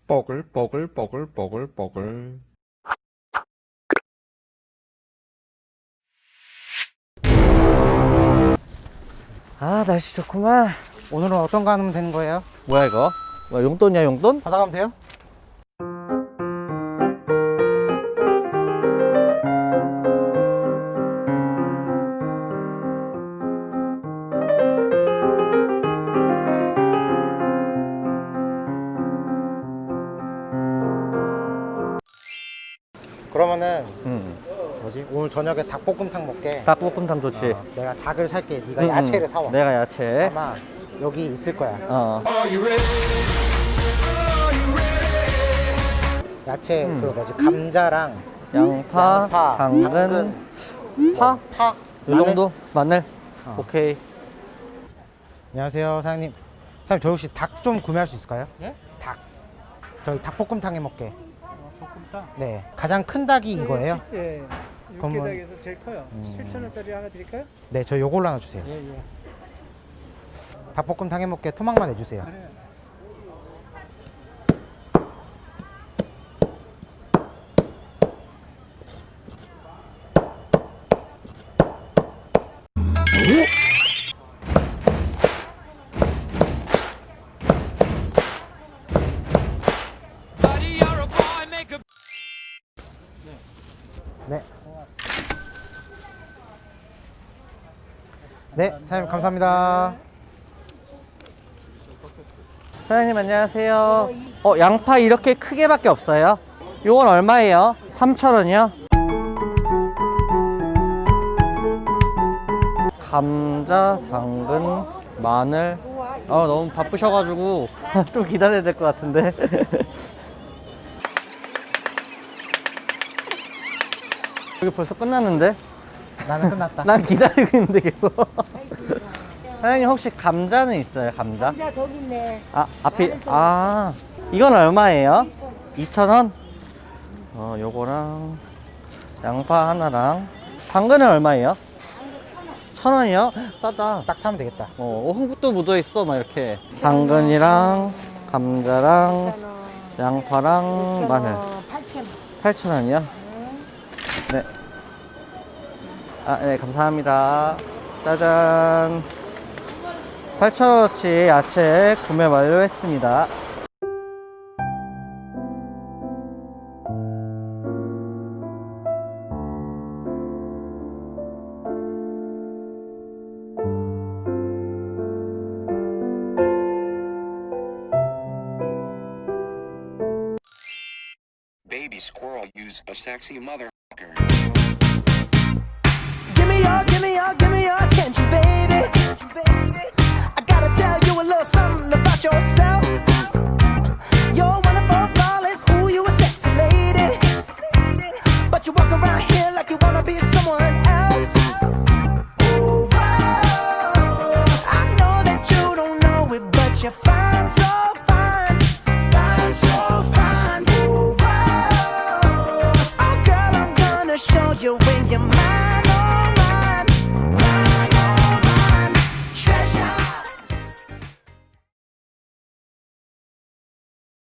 뽀글뽀글뽀글뽀글뽀글. 아, 날씨 좋구만. 오늘은 어떤 거 하면 되는 거예요? 뭐야 이거? 뭐야, 용돈이야 용돈? 받아가면 돼요? 그러면은 뭐지? 오늘 저녁에 닭볶음탕 먹게. 닭볶음탕 좋지. 내가 닭을 살게. 네가 야채를 사와. 내가 야채. 아마 여기 있을 거야. 야채 그 뭐지? 감자랑 양파, 당근, 파? 파, 요 정도? 마늘? 오케이. 안녕하세요, 사장님. 사장님, 저 혹시 닭 좀 구매할 수 있을까요? 예? 닭. 저희 닭볶음탕 해 먹게. 볶음탕? 네. 가장 큰 닭이 이거예요? 예. 그러면- 육개닭에서 제일 커요. 7,000원짜리 하나 드릴까요? 네, 저 요걸로 하나 주세요. 예, 예. 닭볶음탕 해 먹게 토막만 해주세요. 그래. 네. 네, 사장님 감사합니다. 사장님 안녕하세요. 양파 이렇게 크게밖에 없어요. 요건 얼마예요? 3,000원이요? 감자, 당근, 마늘. 너무 바쁘셔가지고 좀 기다려야 될 것 같은데. 여기 벌써 끝났는데? 나는 끝났다. 난 기다리고 있는데 계속. 사장님 혹시 감자는 있어요? 감자? 감자 저기 있네. 앞이 이건 얼마예요? 2,000원? 요거랑 양파 하나랑 당근은 얼마예요? 1,000원이요? 싸다. 딱 사면 되겠다. 흙도 묻어있어 막 이렇게. 당근이랑 감자랑 양파랑 마늘 8,000원. 8,000원이요? 네. 네, 감사합니다. 짜잔. 8,000원어치 야채 구매 완료했습니다. Baby squirrel use a sexy motherfucker. Give me your attention, baby. I gotta tell you a little something about yourself. You're wonderful, flawless, ooh, you a sexy lady. But you walk around here like you wanna be someone else. Ooh, whoa. I know that you don't know it, but you're fine, so fine. Fine, so fine. Ooh, whoa. Oh, girl, I'm gonna show you when you're mine.